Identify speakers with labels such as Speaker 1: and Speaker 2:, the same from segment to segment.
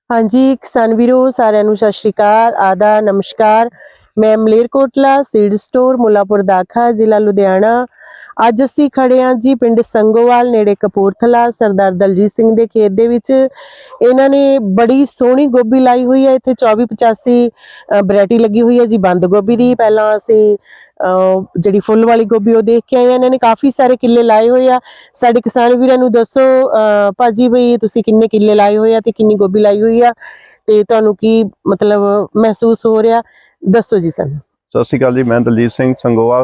Speaker 1: हाँ जी किसान वीरो सारिਆਂ ਨੂੰ ਸਤਿ ਸ਼੍ਰੀ ਅਕਾਲ ਆਦਾ ਨਮਸਕਾਰ। मैं ਮਲੇਰਕੋਟਲਾ सीड स्टोर मुलापुर दाखा ਜ਼ਿਲ੍ਹਾ ਲੁਧਿਆਣਾ। ਅੱਜ ਅਸੀਂ ਖੜੇ ਹਾਂ ਜੀ ਪਿੰਡ ਸੰਗੋਵਾਲ ਨੇੜੇ ਕਪੂਰਥਲਾ ਸਰਦਾਰ ਦਲਜੀਤ ਸਿੰਘ ਦੇ ਖੇਤ ਦੇ ਵਿੱਚ। ਇਹਨਾਂ ਨੇ ਬੜੀ ਸੋਹਣੀ ਗੋਭੀ ਲਾਈ ਹੋਈ ਹੈ। ਇੱਥੇ 2485 ਵੈਰਾਈਟੀ ਲੱਗੀ ਹੋਈ ਹੈ ਜੀ ਬੰਦ ਗੋਭੀ ਦੀ। ਪਹਿਲਾਂ ਅਸੀਂ ਜਿਹੜੀ ਫੁੱਲ ਵਾਲੀ ਗੋਭੀ ਉਹ ਦੇਖ ਕੇ ਆਏ। ਇਹਨਾਂ ਨੇ ਕਾਫੀ ਸਾਰੇ ਕਿੱਲੇ ਲਾਏ ਹੋਏ ਆ। ਸਾਡੇ ਕਿਸਾਨ ਵੀਰਾਂ ਨੂੰ ਦੱਸੋ ਭਾਜੀ ਬਈ ਤੁਸੀਂ ਕਿੰਨੇ ਕਿੱਲੇ ਲਾਏ ਹੋਏ ਆ ਤੇ ਕਿੰਨੀ ਗੋਭੀ ਲਾਈ ਹੋਈ ਆ ਤੇ ਤੁਹਾਨੂੰ ਕੀ ਮਤਲਬ ਮਹਿਸੂਸ ਹੋ ਰਿਹਾ, ਦੱਸੋ ਜੀ ਸਾਨੂੰ।
Speaker 2: ਸਤਿ ਸ਼੍ਰੀ ਅਕਾਲ ਜੀ, ਮੈਂ ਦਲਜੀਤ ਸਿੰਘ ਸੰਗੋਵਾਲ।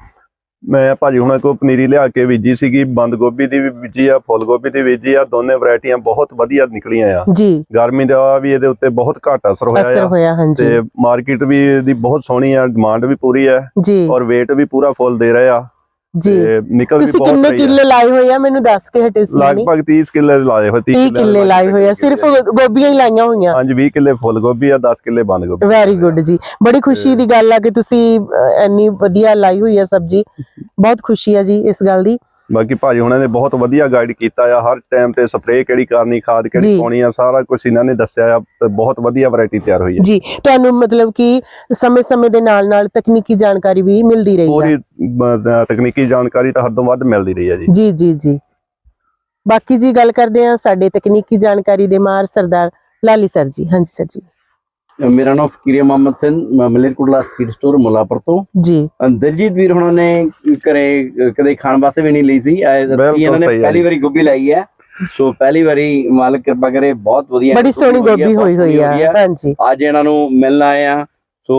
Speaker 2: ਮੈਂ ਭਾਜੀ ਹੁਣਾਂ ਕੋਲ ਪਨੀਰੀ ਲਿਆ ਕੇ ਬੀਜੀ ਸੀਗੀ, ਬੰਦ ਗੋਭੀ ਦੀ ਵੀ ਬੀਜੀ ਆ, ਫੁੱਲ ਗੋਭੀ ਦੀ ਬੀਜੀ ਆ। ਦੋਨੇ ਵੈਰਾਈਟੀਆਂ ਬਹੁਤ ਵਧੀਆ ਨਿਕਲੀਆਂ ਆ ਜੀ। ਗਰਮੀ ਦਾ ਵੀ ਇਹਦੇ ਉੱਤੇ ਬਹੁਤ ਘੱਟ ਅਸਰ ਹੋਇਆ ਹਾਂਜੀ। ਤੇ ਮਾਰਕੀਟ ਵੀ ਇਹਦੀ ਬਹੁਤ ਸੋਹਣੀ ਆ, ਡਿਮਾਂਡ ਵੀ ਪੂਰੀ ਹੈ ਔਰ weight ਵੀ ਪੂਰਾ ਫੁੱਲ ਦੇ ਰਹੇ ਆ ਜੀ। ਨਿਕਲ ਵੀ ਬਹੁਤ
Speaker 1: ਕਿੰਨੇ ਕਿੱਲੇ ਲਾਏ ਹੋਏ ਆ ਮੈਨੂੰ ਦੱਸ ਕੇ ਹਟੇ ਸੀ।
Speaker 2: ਲਗਭਗ 30 ਕਿੱਲੇ ਲਾਏ ਹੋਏ।
Speaker 1: 30 ਕਿੱਲੇ ਲਾਏ ਹੋਏ ਆ, ਸਿਰਫ ਗੋਭੀਆਂ ਹੀ ਲਾਈਆਂ ਹੋਈਆਂ।
Speaker 2: ਹਾਂਜੀ 20 ਕਿੱਲੇ ਫੁੱਲ ਗੋਭੀ ਆ, 10 ਕਿੱਲੇ ਬੰਦ ਗੋਭੀ।
Speaker 1: ਵੈਰੀ ਗੁੱਡ ਜੀ, ਬੜੀ ਖੁਸ਼ੀ ਦੀ ਗੱਲ ਆ ਕਿ ਤੁਸੀਂ ਇੰਨੀ ਵਧੀਆ ਲਾਈ ਹੋਈ ਆ ਸਬਜ਼ੀ। ਬਹੁਤ ਖੁਸ਼ੀ ਆ ਜੀ ਇਸ ਗੱਲ ਦੀ।
Speaker 2: ਬਾਕੀ ਭਾਜੀ ਹੁਣਾਂ ਨੇ ਬਹੁਤ ਵਧੀਆ ਗਾਈਡ ਕੀਤਾ ਆ, ਹਰ ਟਾਈਮ ਤੇ ਸਪਰੇਅ ਕਿਹੜੀ ਕਰਨੀ, ਖਾਦ ਕਿਹੜੀ ਪਾਉਣੀ ਆ, ਸਾਰਾ ਕੁਝ ਇਹਨਾਂ ਨੇ ਦੱਸਿਆ ਆ। ਬਹੁਤ ਵਧੀਆ ਵੈਰਾਈਟੀ ਤਿਆਰ ਹੋਈ ਹੈ ਜੀ।
Speaker 1: ਤੁਹਾਨੂੰ ਮਤਲਬ ਕਿ ਸਮੇਂ-ਸਮੇਂ ਦੇ ਨਾਲ ਤਕਨੀਕੀ ਜਾਣਕਾਰੀ ਵੀ ਮਿਲਦੀ ਰਹੀ ਹੈ।
Speaker 2: ਪੂਰੀ ਤਕਨੀਕੀ ਜਾਣਕਾਰੀ ਤਾਂ ਹੱਦੋਂ ਵੱਧ ਮਿਲਦੀ ਰਹੀ ਹੈ ਜੀ।
Speaker 1: ਜੀ ਬਾਕੀ ਜੀ ਗੱਲ ਕਰਦੇ ਆ ਸਾਡੇ ਤਕਨੀਕੀ ਜਾਣਕਾਰੀ ਦੇ ਮਾਰ ਸਰਦਾਰ ਲਾਲੀ ਸਰ ਜੀ। ਹਾਂਜੀ ਸਰ ਜੀ।
Speaker 3: मेरा नाम फकीर मोहम्मद सिंह, मलेरकोटला सीड स्टोर मुलापुर तो जी। दलजीत वीर हुणां ने करे कदे खाण वास्ते भी नहीं ली सी। इन्हां ने पहली बारी गोभी लाई है, सो पहली बारी मालिक कृपा करे बहुत वधिया
Speaker 1: बड़ी सोहनी गोभी होई होई है। हां जी
Speaker 3: आज इन्हां नूं मिलण आए आ। सो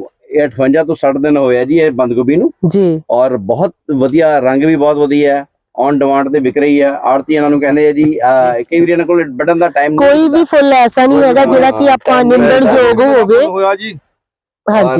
Speaker 3: 58 ਤੋਂ 60 ਦਿਨ ਹੋਏ ਆ ਜੀ ਇਹ ਬੰਦ ਗੋਭੀ ਨੂੰ ਜੀ। ਔਰ ਬਹੁਤ ਵਧੀਆ ਰੰਗ ਵੀ ਬਹੁਤ ਵਧੀਆ ਹੈ, ऑन डिमांड ਤੇ ਵਿਕ ਰਹੀ ਹੈ। ਆੜਤੀ ਇਹਨਾਂ ਨੂੰ ਕਹਿੰਦੇ ਆ ਜੀ ਕਈ ਵਾਰ ਇਹਨਾਂ ਕੋਲ ਵੱਢਣ ਦਾ ਟਾਈਮ ਨਹੀਂ।
Speaker 1: ਕੋਈ ਵੀ ਫੁੱਲ ਐਸਾ ਨਹੀਂ ਹੈਗਾ ਜਿਹੜਾ ਕਿ ਆਪਾਂ ਨਿੰਦਣ ਯੋਗ ਹੋਵੇ।
Speaker 3: ਹੋਇਆ ਜੀ
Speaker 1: ਹਾਂਜੀ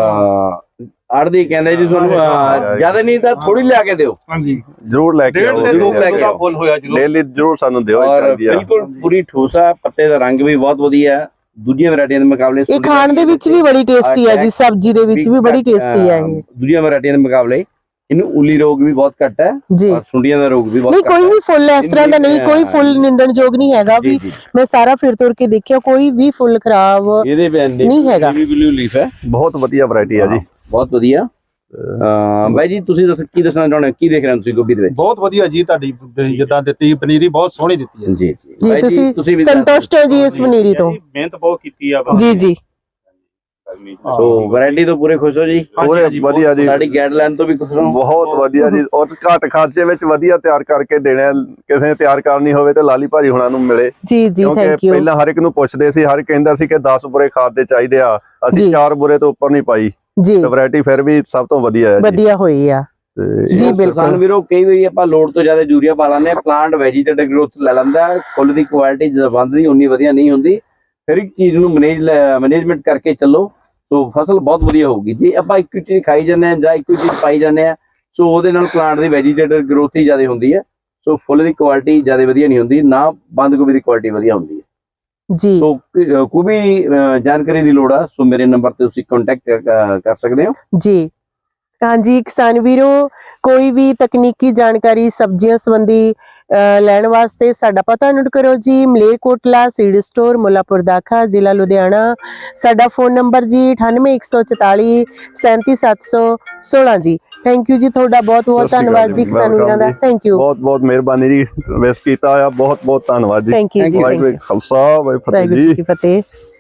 Speaker 3: ਆੜਤੀ ਕਹਿੰਦੇ ਜੀ ਤੁਹਾਨੂੰ ਜਿਆਦਾ ਨਹੀਂ ਤਾਂ ਥੋੜੀ ਲਿਆ ਕੇ ਦਿਓ।
Speaker 2: ਹਾਂਜੀ ਜ਼ਰੂਰ ਲੈ ਕੇ ਆਓ,
Speaker 3: ਜ਼ਰੂਰ ਲੈ ਕੇ ਆਓ। ਫੁੱਲ ਹੋਇਆ ਜੀ
Speaker 2: ਲੈ ਲਈ ਜ਼ਰੂਰ ਸਾਨੂੰ ਦਿਓ।
Speaker 3: ਬਿਲਕੁਲ ਪੂਰੀ ਠੋਸਾ, ਪੱਤੇ ਦਾ ਰੰਗ ਵੀ ਬਹੁਤ ਵਧੀਆ ਹੈ ਦੂਜੀਆਂ ਵੈਰਾਈਟੀਆਂ ਦੇ ਮੁਕਾਬਲੇ।
Speaker 1: ਇਹ ਖਾਣ ਦੇ ਵਿੱਚ ਵੀ ਬੜੀ ਟੇਸਟੀ ਹੈ ਜੀ, ਸਬਜ਼ੀ ਦੇ ਵਿੱਚ ਵੀ ਬੜੀ ਟੇਸਟੀ ਹੈ ਇਹ
Speaker 3: ਦੂਜੀਆਂ ਵੈਰਾਈਟੀਆਂ ਦੇ ਮੁਕਾਬਲੇ। ਇਹਨੂੰ ਉਲੀ ਰੋਗ ਵੀ ਬਹੁਤ ਘੱਟ ਹੈ ਔਰ ਸੁੰਡੀਆਂ ਦਾ ਰੋਗ ਵੀ ਬਹੁਤ ਘੱਟ ਹੈ।
Speaker 1: ਕੋਈ ਵੀ ਫੁੱਲ ਇਸ ਤਰ੍ਹਾਂ ਦਾ ਨਹੀਂ, ਕੋਈ ਫੁੱਲ ਨਿੰਦਣ ਯੋਗ ਨਹੀਂ ਹੈਗਾ ਵੀ। ਮੈਂ ਸਾਰਾ ਫਿਰ ਤੁਰ ਕੇ ਦੇਖਿਆ, ਕੋਈ ਵੀ ਫੁੱਲ ਖਰਾਬ
Speaker 3: ਇਹਦੇ
Speaker 1: ਨਹੀਂ ਹੈਗਾ।
Speaker 3: ਵੀ ਬਲੂ ਲੀਫ ਹੈ,
Speaker 2: ਬਹੁਤ ਵਧੀਆ ਵੈਰਾਈਟੀ ਹੈ ਜੀ, ਬਹੁਤ
Speaker 3: ਵਧੀਆ। ਬਾਈ ਜੀ ਤੁਸੀਂ ਕੀ ਦੱਸਣਾ ਚਾਹੁੰਦੇ ਹੋ, ਕੀ ਦੇਖ ਰਹੇ ਹੋ ਤੁਸੀਂ ਗੋਭੀ ਦੇ ਵਿੱਚ?
Speaker 4: ਬਹੁਤ ਵਧੀਆ ਜੀ, ਤੁਹਾਡੀ ਜਿੱਦਾਂ ਦਿੱਤੀ ਪਨੀਰੀ ਬਹੁਤ ਸੋਹਣੀ ਦਿੱਤੀ ਹੈ
Speaker 3: ਜੀ।
Speaker 1: ਜੀ ਤੁਸੀਂ ਸੰਤੁਸ਼ਟ ਹੋ ਜੀ ਇਸ ਪਨੀਰੀ ਤੋਂ?
Speaker 4: ਮਿਹਨਤ ਬਹੁਤ ਕੀਤੀ ਆ
Speaker 1: ਜੀ।
Speaker 3: ਸੋ ਵੈਰਾਈਟੀ ਤੋਂ ਪੂਰੇ ਖੁਸ਼ ਹੋ ਜੀ?
Speaker 2: ਪੂਰੇ ਵਧੀਆ ਜੀ,
Speaker 3: ਸਾਡੀ ਗਾਈਡਲਾਈਨ ਤੋਂ ਵੀ ਖੁਸ਼ ਹੋ?
Speaker 2: ਬਹੁਤ ਵਧੀਆ ਜੀ। ਔਰ ਘੱਟ ਖਰਚੇ ਵਿੱਚ ਵਧੀਆ ਤਿਆਰ ਕਰਕੇ ਦੇਣਾ। ਕਿਸੇ ਨੇ ਤਿਆਰ ਕਰਨੀ ਹੋਵੇ ਤੇ ਲਾਲੀ ਭਾਜੀ ਹੁਣਾਂ ਨੂੰ ਮਿਲੇ
Speaker 1: ਜੀ। Thank you.
Speaker 2: ਪਹਿਲਾਂ ਹਰ ਇੱਕ ਨੂੰ ਪੁੱਛਦੇ ਸੀ, ਹਰ ਇੱਕ ਕਹਿੰਦਾ ਸੀ ਕਿ 10 ਬੁਰੇ ਖਾਦ ਦੇ ਚਾਹੀਦੇ ਆ, ਅਸੀਂ 4 ਬੁਰੇ ਤੋਂ ਉੱਪਰ ਨਹੀਂ ਪਾਈ ਜੀ। ਤੇ ਵੈਰਾਈਟੀ ਫਿਰ ਵੀ ਸਭ ਤੋਂ ਵਧੀਆ ਹੈ, ਵਧੀਆ
Speaker 1: ਹੋਈ ਆ ਜੀ।
Speaker 3: ਬਿਲਕੁਲ ਵੀਰੋ, ਕਈ ਵਾਰੀ ਆਪਾਂ ਲੋੜ ਤੋਂ ਜ਼ਿਆਦਾ ਯੂਰੀਆ ਪਾ ਲੈਂਦੇ ਆ, ਪਲਾਂਟ ਵੈਜੀਟੇਟਿਵ ਗਰੋਥ ਲੈ ਲੈਂਦਾ। ਫੁੱਲ ਦੀ ਕੁਆਲਿਟੀ ਜਵੰਦ ਦੀ ਉਨੀ ਵਧੀਆ ਨਹੀਂ ਹੁੰਦੀ। ਹਰ ਇੱਕ ਚੀਜ਼ ਨੂੰ ਮੈਨੇਜਮੈਂਟ ਕਰਕੇ ਚੱਲੋ, ਸੋ ਫਸਲ ਬਹੁਤ ਵਧੀਆ ਹੋਊਗੀ। ਜੇ ਆਪਾਂ ਇੱਕ ਚੀਜ਼ ਖਾਈ ਜਾਂਦੇ ਆ ਜਾਂ ਇੱਕ ਚੀਜ਼ ਪਾਈ ਜਾਂਦੇ ਆ, ਸੋ ਉਹਦੇ ਨਾਲ ਪਲਾਂਟ ਦੀ ਵੈਜੀਟੇਟਿਵ ਗਰੋਥ ਹੀ ਜ਼ਿਆਦਾ ਹੁੰਦੀ ਹੈ। ਸੋ ਫੁੱਲ ਦੀ ਕੁਆਲਿਟੀ ਜ਼ਿਆਦਾ ਵਧੀਆ ਨਹੀਂ ਹੁੰਦੀ, ਨਾ ਬੰਦ ਗੋਭੀ ਦੀ ਕੁਆਲਿਟੀ ਵਧੀਆ ਹੁੰਦੀ ਹੈ ਜੀ। ਸੋ ਕੋਈ ਵੀ ਜਾਣਕਾਰੀ ਦੀ ਲੋੜ ਆ, ਸੋ ਮੇਰੇ ਨੰਬਰ ਤੇ ਤੁਸੀਂ ਕੰਟੈਕਟ ਕਰ ਸਕਦੇ ਹੋ ਜੀ।
Speaker 1: ਹਾਂਜੀ ਕਿਸਾਨ ਵੀਰੋ, ਕੋਈ ਵੀ ਤਕਨੀਕੀ ਜਾਣਕਾਰੀ ਸਬਜ਼ੀਆਂ ਸੰਬੰਧੀ ਲੈਣ ਵਾਸਤੇ ਸਾਡਾ ਪਤਾ ਨੋਟ ਕਰੋ ਜੀ। ਮਲੇਰਕੋਟਲਾ ਸੀਡ ਸਟੋਰ ਮੁਲਾਪੁਰ ਦਾਖਾ ਜ਼ਿਲ੍ਹਾ ਲੁਧਿਆਣਾ। ਸਾਡਾ ਫੋਨ ਨੰਬਰ ਜੀ 9814 37716 ਜੀ। ਥੈਂਕ ਯੂ ਜੀ, ਤੁਹਾਡਾ ਬਹੁਤ ਧੰਨਵਾਦ ਜੀ ਕਿਸਾਨ ਵੀਰਾਂ ਦਾ। ਥੈਂਕ ਯੂ,
Speaker 2: ਬਹੁਤ ਮਿਹਰਬਾਨੀ ਜੀ, ਵੇਸ ਕੀਤਾ ਆ। ਬਹੁਤ ਧੰਨਵਾਦ ਜੀ।
Speaker 1: ਥੈਂਕ ਯੂ ਜੀ।
Speaker 2: ਵਾਹਿਗੁਰੂ ਖਾਲਸਾ ਵਾਹਿਗੁਰੂ
Speaker 1: ਜੀ ਕੀ ਫਤਿਹ।